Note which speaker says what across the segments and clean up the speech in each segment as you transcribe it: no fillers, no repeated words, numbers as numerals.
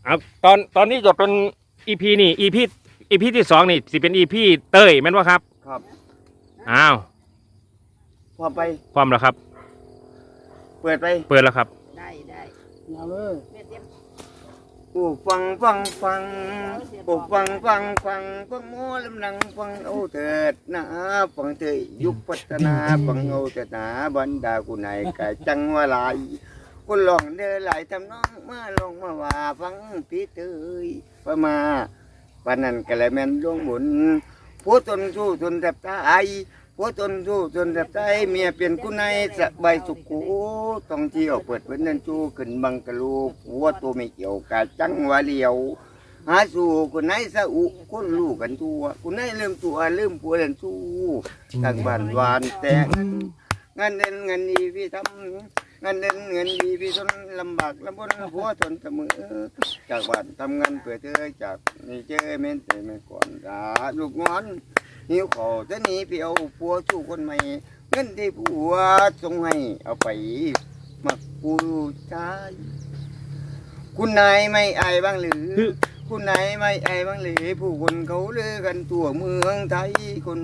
Speaker 1: ครับตอนนี้จะเป็นอีพีนี่อีพีที่2นี่สิเป็นอีพีเต้ยแม่นว่าครับ
Speaker 2: ครับ
Speaker 1: อ้าว
Speaker 2: พอไป
Speaker 1: พร้อมแล้วครับ
Speaker 2: เปิดไป
Speaker 1: เปิดแล้วครับ
Speaker 3: ได้
Speaker 2: เอาเลยโอ้ฟังโอ้ฟังโมลำนังฟังเอาเถิดนะฟังเถิดยุคพัฒนาฟังเอาเถิดนะบรรดากุนายกะจังว่าหลายคนลองเดินหลายทำน้องมาลงมาว่าฟังพี่เตยประมาปานนั้นกะเลยแม่นดวงบุญผู้ตนสู้ตนแทบตายผู้ตนสู้ตนแทบตายเมียเปลี่ยนกุนายสบายสุขุต้องเที่ยวเปิดเว้นนั่นจูขึ้นบังกะลูผัวตัวไม่เกี่ยวกะจังว่าเลียวหาสู่คนไหนสะอุคนลูกกันตัวคนไหนเริ่มตัวเริ่มผัวเริ่มสู้ทางบ้านวานแต่งานเดินเงินดีพี่ทำงานเดินเงินดีพี่ทนลำบากลำบนผัวทนเสมอจากบ้านทำงานเพื่อเธอจากนี่เจอเม้นแต่ไม่ก่อนด่าลูกงอนหิวขอจะหนีไปเอาผัวสู้คนใหม่เงินที่ผัวส่งให้เอาไปมักผู้ชายคุณนายไม่อายบ้างหรือคุณนายไม่อายบ้างหรือผู้คนเขาเลือกันตัวเมืองไทยคน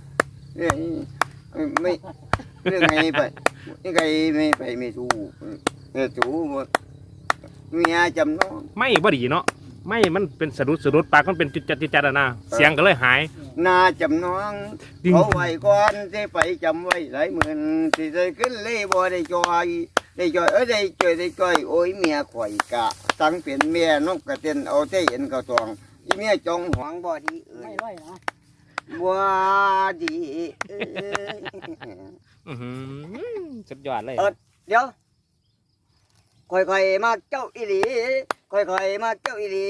Speaker 2: ไม่เรื่องไงไปนี่ไงไม่ไปไม่ถูกเนี่ยถูกเมียจำน้อง
Speaker 1: ไม่บ่ดีเนาะไม่มันเป็นสะดุดปากมันเป็นจัดนะเสียงก็เลยหาย
Speaker 2: นาจำน้องเขาไว้ก่อนจะไปจำไว้หลายหมื่นที่จะขึ้นเลยบ่ได้จอยได้จอยโอ้ยเมียข่อยกะตั้งเป็นเมียนกกระเต็นเอาเท่เห็นกระตองอีเมียจงหวงบ่ดี
Speaker 3: ไม่ร้อยนะ
Speaker 2: บ่ดี
Speaker 1: สุดยอดเลย
Speaker 2: เดี๋ยวค่อยๆมาเจ้าอีหลีค่อยๆมาเจ้าอีหลี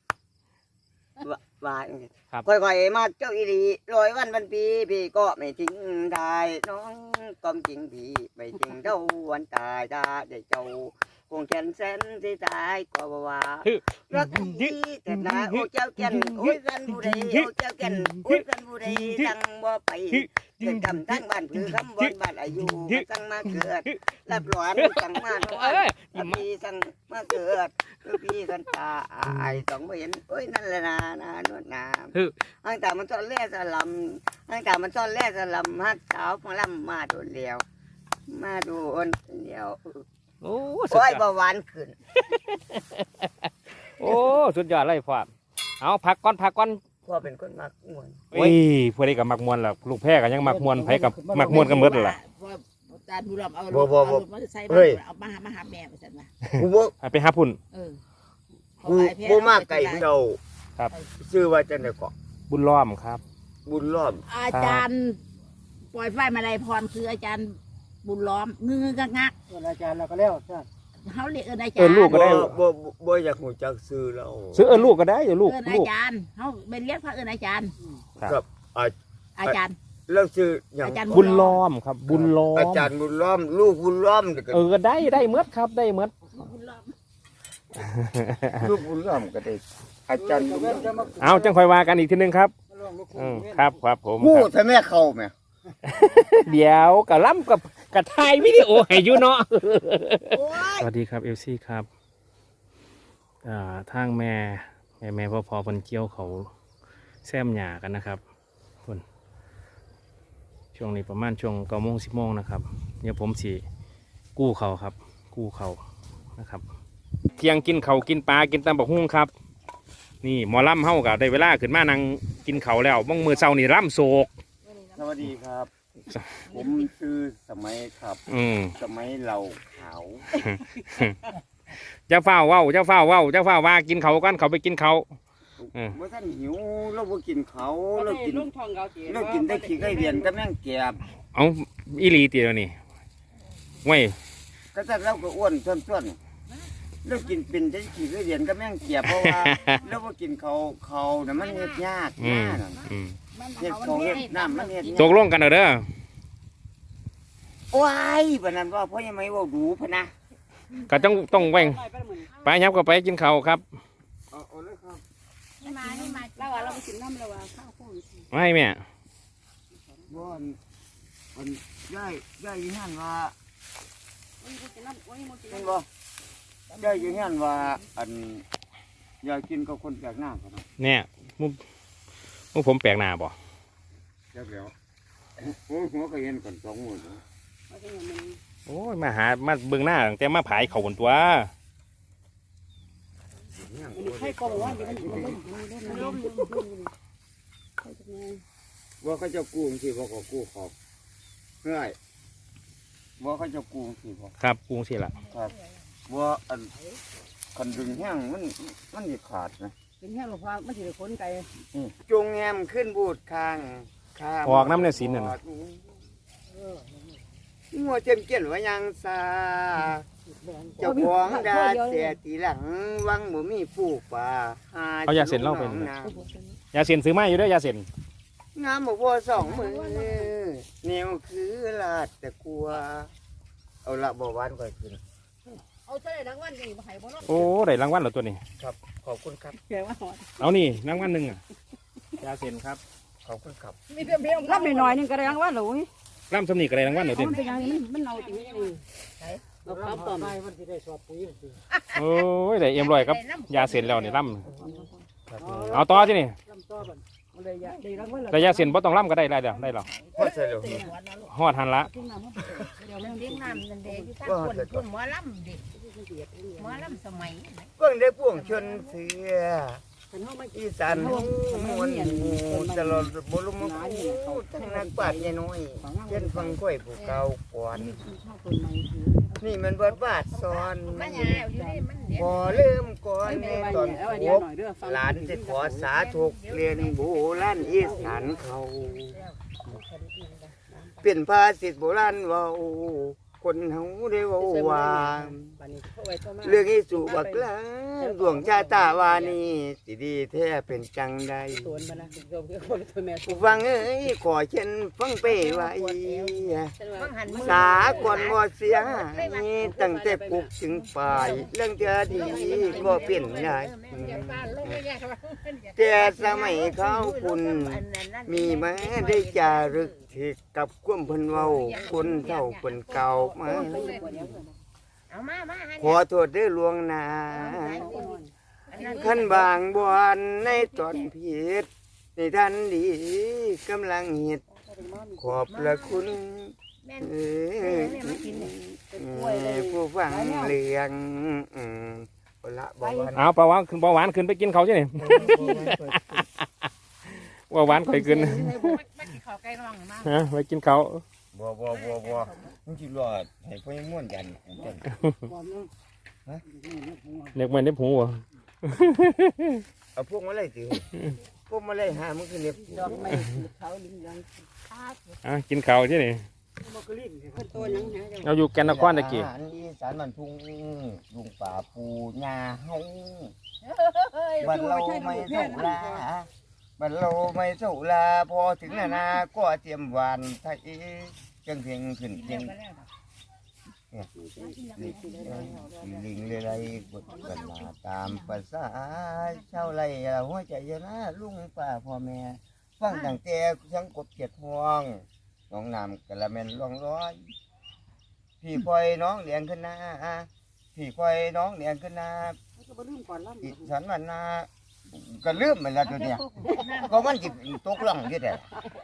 Speaker 2: ว่าค่อยๆมาเจ้าอีหลี100 วันปีพี่ก็ไม่ทิ้งได้น้องก้มจริงพี่ไม่จริงเท่าวันตายได้เจ้าคงแขนแสนที่ตายก็ว่ารักดีแต่นาโอ้เจ้าแก่นโอ้ยกันผู้ใดโอ้เจ้าแก่นโอ้ยกันผู้ใดตั้งบ่ไปเกิดกำทั้งบ้านคือคำบนบ้านอายุตั้งมาเกิดรับหลอนตั้งมาโน่นพี่ตั้งมาเกิดพี่กันตายต้องไม่เห็นโอ้ยนั่นแหละนวดน้ำอังแต่มันซ่อนแร่สลัมอังแต่มันซ่อนแร่สลัมฮักสาวพลัมมาโดนเลี้ยวมาโดนเลี้ยว
Speaker 1: โอ้
Speaker 2: เบาหวานขึ้น
Speaker 1: โอ้สุดยอดเลยพ่อเอาพักก่อน
Speaker 2: พ่อเป็นคนมักมวน
Speaker 1: โอ้ยพวกนี้กับมักมวนล่ะลูกแพ้กันยังมักมวนไผกับมักมวนกันหมดล่ะ
Speaker 3: จานบุรเอาเอามาหาแม่ไปสั่นนะ
Speaker 1: ไปหาพุ่น
Speaker 2: กูมากไก่เจ้า
Speaker 1: ครับ
Speaker 2: ชื่อว่าจันทร์เกาะ
Speaker 1: บุญล้อมครับ
Speaker 2: บุญล้อม
Speaker 3: อาจารย์ปล่อยไฟมาลัยพรคืออาจารย์บุญล้อมงืองัก
Speaker 4: อาจารย์เราก็แล้ว
Speaker 3: เขาเรียกอาจารย์
Speaker 1: ลูกก็ได้
Speaker 2: บ่อยากหูจักซื้อแล้ว
Speaker 1: ซื้อลูกก็ได้ลูก
Speaker 3: อาจารย์เขาเป็นเรียกพระอาจารย์
Speaker 2: ครับ
Speaker 3: อาจารย์
Speaker 2: แล้วชื่ออย่าง
Speaker 1: บุญล้อมครับบุญล้อม
Speaker 2: อาจารย์บุญล้อมลูกบุญล้อม
Speaker 1: ก็ได้เมื่อครับได้เมื่อ
Speaker 2: ลูกบุญล้อมก็ได้อาจารย์
Speaker 1: เอาจังคอยว่ากันอีกทีนึงครับครับผม
Speaker 2: พูดให้แม่เข้าไหม
Speaker 1: เดี๋ยวกับล้ำกับถ่ายวิดีโอให้อยู่เนาะสวัสดีครับเอลซี่ครับทางแม่พ่อคนเกี่ยวเขาแซมหยากันนะครับคนช่วงนี้ประมาณช่วง9 โมง 10 โมงนะครับเดี๋ยวผมสิกู้เขาครับกู้เขานะครับเที่ยงกินเขากินปลากินตำบักหุ่งครับนี่หมอล่ำเฮากับได้เวลาขึ้นมานั่งกินเขาแล้วบ้องมือเช้านี่ร่ำโศก
Speaker 2: สวัสดีครับผมชื่อสมัยครับสมัยเราขาว
Speaker 1: เจ้าฝ้าว่ากินเขากันเขาไปกินเขา
Speaker 2: เมื่อท่านหิวเราไปกินเขาเรากินได้ขี้ไก่เดียนก็แม่งแกบ
Speaker 1: เอาอีหลีตีแล้วนี่ไว้
Speaker 2: ก็แต่เราก็อ้วนส่วนเรากินเป็นได้ขี้ไก่เดียนก็แม่งแกบเพราะว่าเราไปกินเขาเนี่ยมันเฮ็ดยากเฮ็ดเขาเฮ็ดน้ำมันเฮ็ด
Speaker 1: ตกลงกันเด้อ
Speaker 2: ว้ายแบบนั้นว่าเพราะยังไม่ว่าดูพนะ
Speaker 1: ก็ต้องแหว่งไปยับก็ไปกินเขาครับ
Speaker 3: นี่มาเราไปกินน้ำเราข้าวโพด
Speaker 1: ไม่แม่
Speaker 2: บ่อนย่ายหันว่าเห็นบ่ย่ายหันว่าอันอยากกินกับคนแปลกหน้ากันเนาะ
Speaker 1: เนี่ยมุกผมแปลกหน้าบ่
Speaker 2: เจ้าแล้วโอ้ยหัวก็เห็นก่อนสองหมื่น
Speaker 1: โอ้ยมาเบิ่งหน้าตั้งแต่มาผายเขาบนตัว
Speaker 3: ให้กองว่ามันล้ม
Speaker 2: ว่าเขาจะกู้สิว่าเขากู้ขอบเฮ้ยว่าเขาจะกู้สิบ่
Speaker 1: ครับกรุงสิล่ะ
Speaker 2: ครับว่าอันคันดึงแห้งมันจะขาดนะ
Speaker 3: เป็นแค่หลวงพ่อมันถือคนไก่
Speaker 2: จงแงมขึ้นบูดคางข้าม
Speaker 1: ออกน้ำในสินน่ะนะ
Speaker 2: งัวเจ็มเกี้ยนว่ายังซาเจ้าของดาเสียตีหลังวังบ่มีผู้ป่าห
Speaker 1: เอายาเส้นเหล้าเป็น
Speaker 2: น้
Speaker 1: ยาเส้นซื้อมาอยู่เด้อยาเส้น
Speaker 2: ำงามบ่พอสองมือเหนียวคือลาดแต่กลัว เอาละบ่หวานก่อยขึ้น
Speaker 3: เอาเท่าไรรางวัลนี่มาให้บ่เนาะ
Speaker 1: โอ้ได้รางวัลแล้วตัวนี้
Speaker 2: ครับ ขอบคุณครับ
Speaker 3: แกว่าหอด
Speaker 1: เอานี่รางวัลหนึ่งอ่ะยาเส้นครับ
Speaker 2: ขอบคุณครับ
Speaker 3: มีเพียงรับหน่อยนึงก็ได้รางวัลหรอ
Speaker 1: ร่ำสำนีก็ได้รางวัลแล้วเต็ม
Speaker 3: มันเป็นยังมันเอาตีเราข้าวต้ม
Speaker 1: โอ้ยได้เอ็มรอยครับยาเส้นแล้วนี่ร่ำเอาต่อสินี่แต่ยาเส้นบ่ต้องร่ำก็ได้แล้วได้แล้ว
Speaker 2: พ่อใช่เลย
Speaker 1: ฮอดหันละ
Speaker 3: เดี๋ยวเลี้ยงน้ำนั่นเด็กที่ท่านคนหมอลำเด็กหมอลำสมัย
Speaker 2: เพิ่งได้พ่วงชนเสืออีสานหูมวนหูตลอดบรมคูทั้งนักปราชญ์ใหญ่น้อยเช่นฟังก้อยผู้เก่าก่อนนี่มันเบิดบาทซ้อน
Speaker 3: มันยาวอยู่นี่มันเด็ก
Speaker 2: พอเริ่มก่อนในตอนพบหลานจะขอสาธุเรียนโบราณอีสานเขาเป็นภาษิตโบราณเว่าคนเฮาได้เว่าว่าเรื่องอีสุบักลาดวงชาตาวานีสิดีแท้เป็นจังใดผู้ฟังเอ้ยขอเช่นฟังไปไว้สาก่อนบ่เสียหายตั้งแต่ปลุกถึงป่ายเรื่องจะดีก็เปลี่ยนได้ แต่สมัยเขาคุณมีมาได้จารึกที่กับความเพิ่นเว้าคนเท่าเพิ่นเก่ามาขอโทษด้วยลวงหน้าขั้นบางบอนในตอนผิดในทันดีกำลังเฮ็ดขอบพระคุณผู้ฟังเรื่องละบ่วัน
Speaker 1: เอาเบาหวานขึ้นไปกินเขาใช่ไหมเบาหวานค่อยขึ้นฮะไปกินเขา
Speaker 2: บ่มึงสิรอดให้พ่อยังม่วนกัน
Speaker 1: เด็กมันได้ผูวะ
Speaker 2: เอาพวกมาเลยสิพวกมาเลยหามึงคือเน็บ
Speaker 3: ดอกไม้เขาลิ้นยัง
Speaker 1: กินเขาใช่ไหม
Speaker 3: ตัวยัง
Speaker 1: เราอยู่แกนนครตะกี้
Speaker 2: อาหารอีสานมันทุ่งลุงป่าปูหญ้าเฮาบัดเราไม่เท่าลาบัดเราไม่เท่าลาพอถึงนานาก็เตรียมหวานไทยจังเพียงขึ้นเพียงลิงเลยไรกดกันมาตามภาษาชาวไรเราหัวใจเยอะนะลุงป่าพ่อแม่ฟังตั้งแต่สังกบเจ็ดห่วงน้องน้ำกะละเม็นล่องร้อยพี่คอยน้องเลี้ยงขึ้นนาพี่คอยน้องเลี้ยงขึ้นนาอีฉันมันนาก็ลืมไปแล้วตัวเนี้ยก็มันจิตตกล่องอยู่แต่